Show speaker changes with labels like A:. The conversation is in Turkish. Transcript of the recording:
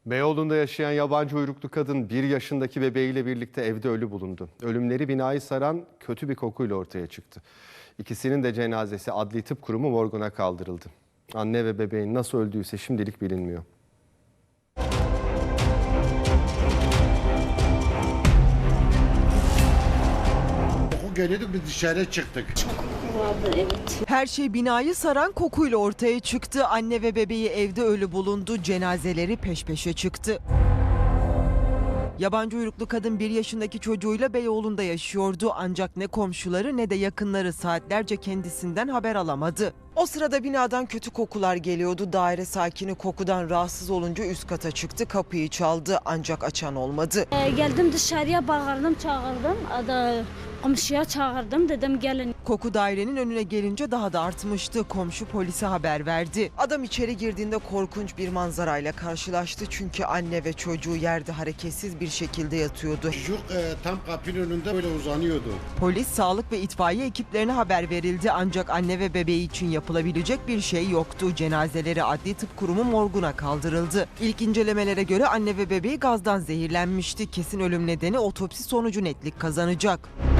A: Beyoğlu'nda yaşayan yabancı uyruklu kadın 1 yaşındaki bebeğiyle birlikte evde ölü bulundu. Ölümleri binayı saran kötü bir kokuyla ortaya çıktı. İkisinin de cenazesi Adli Tıp Kurumu morguna kaldırıldı. Anne ve bebeğin nasıl öldüyse şimdilik bilinmiyor.
B: Koku geliyordu, biz dışarı çıktık.
C: Her şey binayı saran kokuyla ortaya çıktı. Anne ve bebeği evde ölü bulundu. Cenazeleri peş peşe çıktı. Yabancı uyruklu kadın 1 yaşındaki çocuğuyla Beyoğlu'nda yaşıyordu. Ancak ne komşuları ne de yakınları saatlerce kendisinden haber alamadı. O sırada binadan kötü kokular geliyordu. Daire sakini kokudan rahatsız olunca üst kata çıktı. Kapıyı çaldı ancak açan olmadı.
D: Geldim dışarıya, bağırdım, çağırdım. Komşuya çağırdım, dedim gelin.
C: Koku dairenin önüne gelince daha da artmıştı. Komşu polise haber verdi. Adam içeri girdiğinde korkunç bir manzarayla karşılaştı. Çünkü anne ve çocuğu yerde hareketsiz bir şekilde yatıyordu.
B: Çocuk tam kapının önünde böyle uzanıyordu.
C: Polis, sağlık ve itfaiye ekiplerine haber verildi. Ancak anne ve bebeği için yapılabilecek bir şey yoktu. Cenazeleri Adli Tıp Kurumu morguna kaldırıldı. İlk incelemelere göre anne ve bebeği gazdan zehirlenmişti. Kesin ölüm nedeni otopsi sonucu netlik kazanacak.